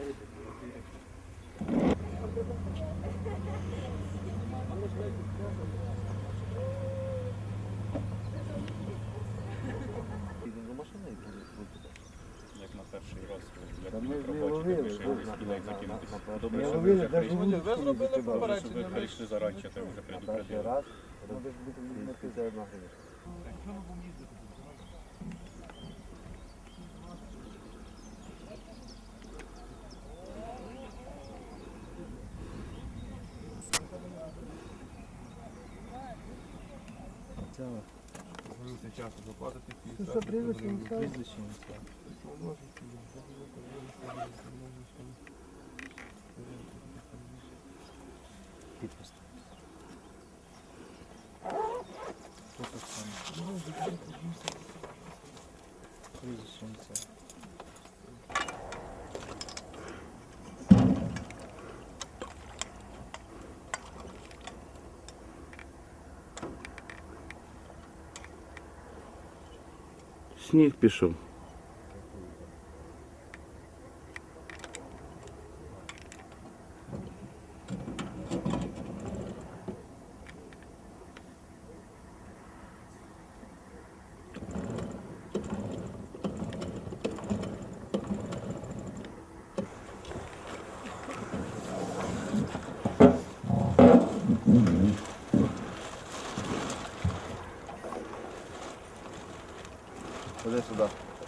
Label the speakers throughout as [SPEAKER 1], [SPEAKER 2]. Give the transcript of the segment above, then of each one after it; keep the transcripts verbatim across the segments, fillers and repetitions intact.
[SPEAKER 1] Як на перший раз, як робочі, то вийшли, скільки як закинутися. Добре, що ви вже прийшли.
[SPEAKER 2] Ви зробили попередження.
[SPEAKER 1] Щоб ви прийшли заранче, то вже предупредили.
[SPEAKER 2] Звернувся часто заплатити.
[SPEAKER 3] Що прізвище?
[SPEAKER 4] Підпис. Прізвище.
[SPEAKER 5] Сніг пішов.
[SPEAKER 2] Ходи сюди.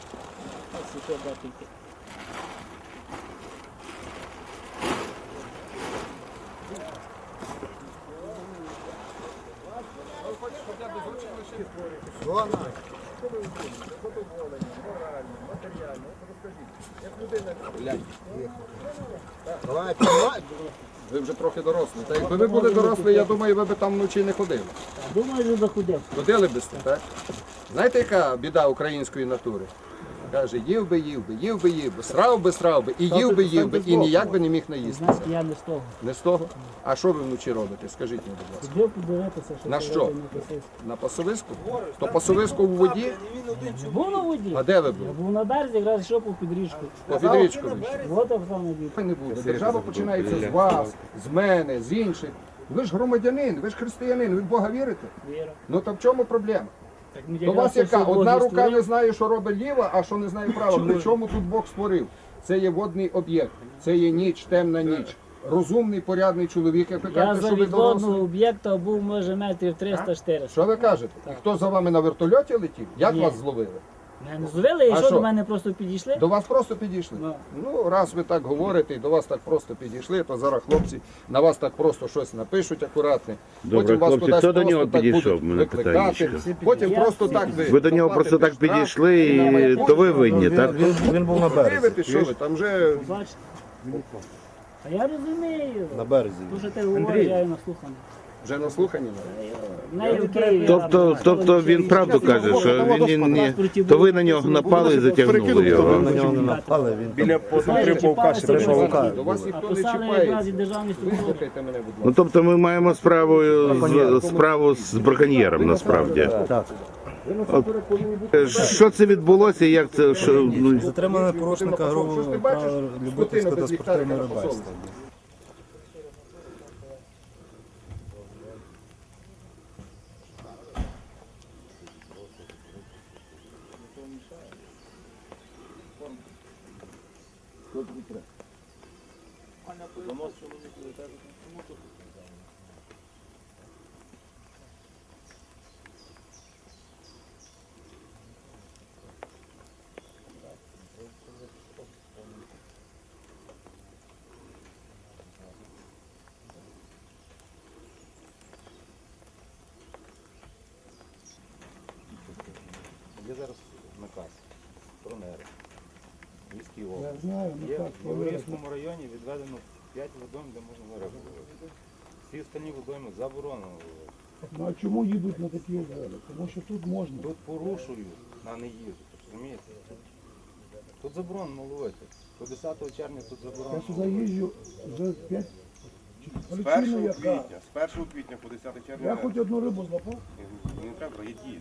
[SPEAKER 2] Вона. Задоволення, морально, матеріально. Розкажіть, як людина... Давайте, ви вже трохи дорослі. Та якби ви були дорослі, я думаю, ви б там вночі не ходили.
[SPEAKER 3] Думаю, що заходив.
[SPEAKER 2] Ходили б сте, так? Знаєте, яка біда української натури? Каже, їв би, їв би, їв би, їв би, срав би, срав би, і їв би, їв би, і ніяк би не міг наїстися.
[SPEAKER 3] Знаєте, я не з того.
[SPEAKER 2] Не з того? А що ви вночі робите? Скажіть мені, будь ласка.
[SPEAKER 3] Ходив подивитися, що
[SPEAKER 2] На
[SPEAKER 3] це
[SPEAKER 2] що?
[SPEAKER 3] робить на Косиську.
[SPEAKER 2] На пасовиску? То пасовиску в воді?
[SPEAKER 3] Не був на воді.
[SPEAKER 2] А де ви
[SPEAKER 3] Я
[SPEAKER 2] були?
[SPEAKER 3] був на березі, якраз йшов по підріжку.
[SPEAKER 2] По підрічку вийшли?
[SPEAKER 3] Вот Оксана дід.
[SPEAKER 2] Не буде. Держава починається з вас, з мене, з інших. Ви ж громадянин, ви ж християнин, ви в Бога вірите?
[SPEAKER 3] Віра.
[SPEAKER 2] Ну то в чому проблема?
[SPEAKER 3] Так, ну,
[SPEAKER 2] До
[SPEAKER 3] якраз
[SPEAKER 2] вас
[SPEAKER 3] це
[SPEAKER 2] яка?
[SPEAKER 3] все
[SPEAKER 2] Одна
[SPEAKER 3] Бог
[SPEAKER 2] рука
[SPEAKER 3] створив.
[SPEAKER 2] не знає, що робить ліва, а що не знає права. При чому тут Бог створив? Це є водний об'єкт, це є ніч, темна ніч. Розумний, порядний чоловік, як ви
[SPEAKER 3] Я
[SPEAKER 2] кажете,
[SPEAKER 3] за
[SPEAKER 2] що ви
[SPEAKER 3] відводного
[SPEAKER 2] дорослі.
[SPEAKER 3] об'єкта був, може, метрів триста-чотириста.
[SPEAKER 2] Що ви кажете? І хто за вами на вертольоті летів? Як
[SPEAKER 3] Ні.
[SPEAKER 2] вас зловили?
[SPEAKER 3] Мене зловили, і
[SPEAKER 2] А
[SPEAKER 3] що,
[SPEAKER 2] що?
[SPEAKER 3] до мене просто підійшли?
[SPEAKER 2] До вас просто підійшли?
[SPEAKER 3] Ну.
[SPEAKER 2] Ну, раз ви так говорите і до вас так просто підійшли, то зараз хлопці на вас так просто щось напишуть акуратне.
[SPEAKER 5] Добре,
[SPEAKER 2] Потім вас
[SPEAKER 5] хлопці,
[SPEAKER 2] кудись
[SPEAKER 5] хто до
[SPEAKER 2] просто
[SPEAKER 5] нього
[SPEAKER 2] так
[SPEAKER 5] підійшов?
[SPEAKER 2] будуть
[SPEAKER 5] Мене питання
[SPEAKER 2] викликати.
[SPEAKER 5] ще.
[SPEAKER 2] Потім
[SPEAKER 3] Я
[SPEAKER 2] просто
[SPEAKER 3] всі-
[SPEAKER 2] так ви.
[SPEAKER 5] Ви до нього просто так
[SPEAKER 2] заплатите штраф,
[SPEAKER 5] підійшли, і то ви винні, так?
[SPEAKER 4] Він, він був на березі.
[SPEAKER 2] Дивитесь, що ви там вже
[SPEAKER 3] Бачите? А я розумію.
[SPEAKER 4] На березі.
[SPEAKER 3] Тому що ти говориш, я і наслуханий.
[SPEAKER 2] вже наслухані.
[SPEAKER 3] В неї в Києві.
[SPEAKER 5] Тобто, тобто він правду каже, що він не, не то ви на нього напали і затягнули його.
[SPEAKER 4] На нього не напали, він
[SPEAKER 6] Біля
[SPEAKER 3] Знаєш,
[SPEAKER 6] Павка
[SPEAKER 3] чіпалися
[SPEAKER 6] ще прийшов.
[SPEAKER 3] просто.
[SPEAKER 2] До вас
[SPEAKER 3] А
[SPEAKER 2] ніхто не
[SPEAKER 3] писали якраз і
[SPEAKER 2] чіпається.
[SPEAKER 3] державні структури.
[SPEAKER 2] Вислухайте мене, будь
[SPEAKER 5] Ну
[SPEAKER 2] ласка.
[SPEAKER 5] тобто ми маємо справу з справу з браконьєром насправді.
[SPEAKER 4] так.
[SPEAKER 5] Що це відбулося? Як це що, ну,
[SPEAKER 4] Затримали порушника грубого права любительського та спортивного рибальства.
[SPEAKER 6] Є зараз наказ про нери. Міський
[SPEAKER 3] Я
[SPEAKER 6] область.
[SPEAKER 3] знаю, ну
[SPEAKER 6] Є
[SPEAKER 3] так.
[SPEAKER 6] в Єврейському районі відведено п'ять водойм, де можна на рибу ловити. Всі останні водойми заборонено ловити.
[SPEAKER 3] Ну а чому їдуть на такі обвали? Тому що тут можна.
[SPEAKER 6] Тут порушують, а не їздять, розумієте? Тут заборонено ловити. До десятого червня тут
[SPEAKER 3] Я
[SPEAKER 6] заборонено
[SPEAKER 3] сюди
[SPEAKER 6] ловити.
[SPEAKER 3] їжджу вже п'ять.
[SPEAKER 7] З
[SPEAKER 3] Причина
[SPEAKER 7] першого
[SPEAKER 3] яка?
[SPEAKER 7] квітня, з першого квітня по десяте червня
[SPEAKER 3] Я хоч одну рибу злапав.
[SPEAKER 7] не треба, є дії.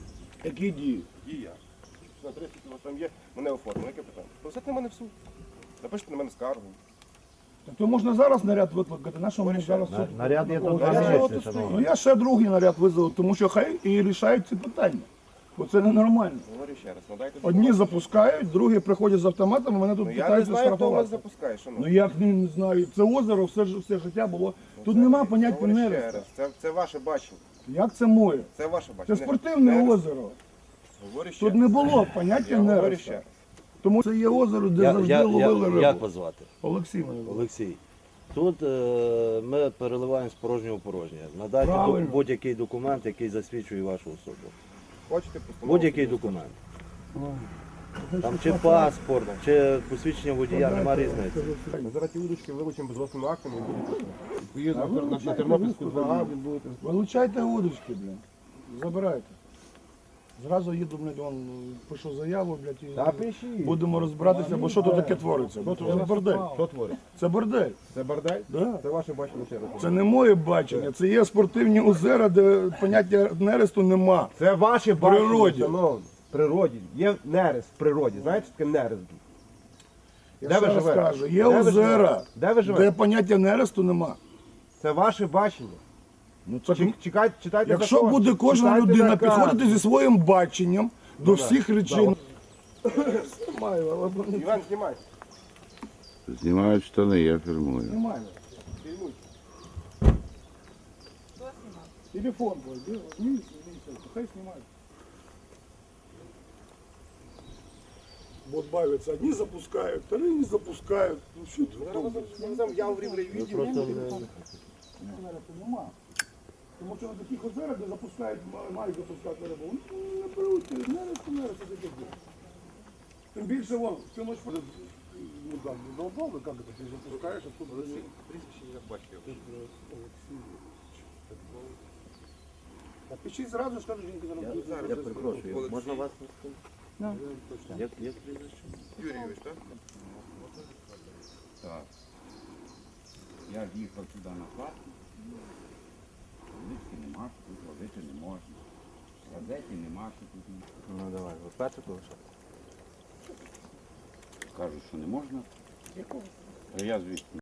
[SPEAKER 3] Які дії?
[SPEAKER 7] Дія. На тридцять у вас там є, мене оформили, яке питання? Посадьте мене в суд. Напишіть на мене скаргу.
[SPEAKER 3] Та то можна зараз наряд викликати, на що мені зараз це?
[SPEAKER 4] Наряд є тут
[SPEAKER 3] Ну, я
[SPEAKER 4] два
[SPEAKER 3] ж-
[SPEAKER 4] місяці,
[SPEAKER 3] Ну
[SPEAKER 4] шановні.
[SPEAKER 3] я ще другий наряд визову, тому що хай і рішають ці питання. Бо це ненормально.
[SPEAKER 7] Говорю ще раз, надайте
[SPEAKER 3] Одні
[SPEAKER 7] документи.
[SPEAKER 3] другі приходять приходять з автоматами, мене тут
[SPEAKER 7] Ну я не
[SPEAKER 3] питаються
[SPEAKER 7] знаю, хто вас
[SPEAKER 3] штрафувати.
[SPEAKER 7] запускає,
[SPEAKER 3] Ну
[SPEAKER 7] шановні.
[SPEAKER 3] як не, не знаю, це озеро все, ж- все життя було. Тут нема поняття
[SPEAKER 7] Говорю ще
[SPEAKER 3] нереста.
[SPEAKER 7] раз, це, це ваше бачення.
[SPEAKER 3] Як це моє?
[SPEAKER 7] Це ваше
[SPEAKER 3] Це
[SPEAKER 7] бачення.
[SPEAKER 3] спортивне
[SPEAKER 7] Нерест.
[SPEAKER 3] озеро.
[SPEAKER 7] Говорю ще
[SPEAKER 3] Тут
[SPEAKER 7] раз.
[SPEAKER 3] не було поняття
[SPEAKER 7] Я говорю ще
[SPEAKER 3] нереста.
[SPEAKER 7] раз.
[SPEAKER 3] Тому це є озеро, де
[SPEAKER 8] Я,
[SPEAKER 3] завжди
[SPEAKER 8] я,
[SPEAKER 3] ловили
[SPEAKER 8] я,
[SPEAKER 3] рибу.
[SPEAKER 8] як вас звати?
[SPEAKER 3] Олексій мене звати.
[SPEAKER 8] Олексій. Тут е, ми переливаємо з порожнього в порожнє. Надайте
[SPEAKER 3] Правильно.
[SPEAKER 8] до- будь-який документ, який засвідчує вашу особу.
[SPEAKER 7] Хочете постанову?
[SPEAKER 8] Будь-який документ. Там чи паспорт, чи посвідчення водія, нема різниці.
[SPEAKER 7] Ми зараз ті удочки вилучимо без власними актами і будуть відповідно на, на Тернопільську два А будете.
[SPEAKER 3] Вилучайте удочки, блін. Забирайте. Зразу їду, блядь, вон, пишу заяву, блядь, і
[SPEAKER 7] Та пишіть.
[SPEAKER 3] будемо розбиратися, бо що тут таке твориться? Це бордель.
[SPEAKER 7] Що творить?
[SPEAKER 3] Це бордель.
[SPEAKER 7] Це бардак?
[SPEAKER 3] Да.
[SPEAKER 7] Це ваше бачення ще раз.
[SPEAKER 3] Це не моє бачення, це є спортивні озера, де поняття нересту нема.
[SPEAKER 7] Це ваше
[SPEAKER 3] бачення,
[SPEAKER 7] природі.
[SPEAKER 3] шановні.
[SPEAKER 7] В природі. Є нерест в природі. Знаєте, що таке нерест?
[SPEAKER 3] Я
[SPEAKER 7] Де
[SPEAKER 3] ще
[SPEAKER 7] ви
[SPEAKER 3] раз
[SPEAKER 7] живете?
[SPEAKER 3] кажу, є
[SPEAKER 7] Де ви
[SPEAKER 3] озера,
[SPEAKER 7] живете? Де ви
[SPEAKER 3] де
[SPEAKER 7] живете?
[SPEAKER 3] поняття нересту нема.
[SPEAKER 7] Це ваше бачення.
[SPEAKER 3] Ну, це,
[SPEAKER 7] Чек- Чекайте, читайте
[SPEAKER 3] якщо
[SPEAKER 7] закон.
[SPEAKER 3] буде кожна
[SPEAKER 7] Читайте
[SPEAKER 3] людина
[SPEAKER 7] наказ.
[SPEAKER 3] підходити зі своїм баченням до всіх речей. Знімаю, але
[SPEAKER 7] Іван, знімай.
[SPEAKER 5] Знімають штани, я фірмую.
[SPEAKER 3] знімаю. Телефон твой, де? Вниз, вниз, хай знімають. Вот бавятся, одни запускают, вторые не запускают. Ну что ты?
[SPEAKER 7] Я в рівні
[SPEAKER 3] Нема. Тому що на таких озерах, де запускають, ма- мають запускати рибу, ну, не беруть, нересто, нересто таке діло. Тим більше вон, всю ночь ходить, ну так, задолбал, как это, ты запускаешь, а тут... А пишіть зразу, скажу, жінки зараз. Я перепрошую,
[SPEAKER 8] Можна вас?
[SPEAKER 7] Юрійович, так?
[SPEAKER 9] Так. Я в'їхав сюди на плату. Водички нема, що тут ловити не можна. Газеті нема, що тут не.
[SPEAKER 6] Ну давай, ви перше лише.
[SPEAKER 9] Кажуть, що не можна. А я звідси.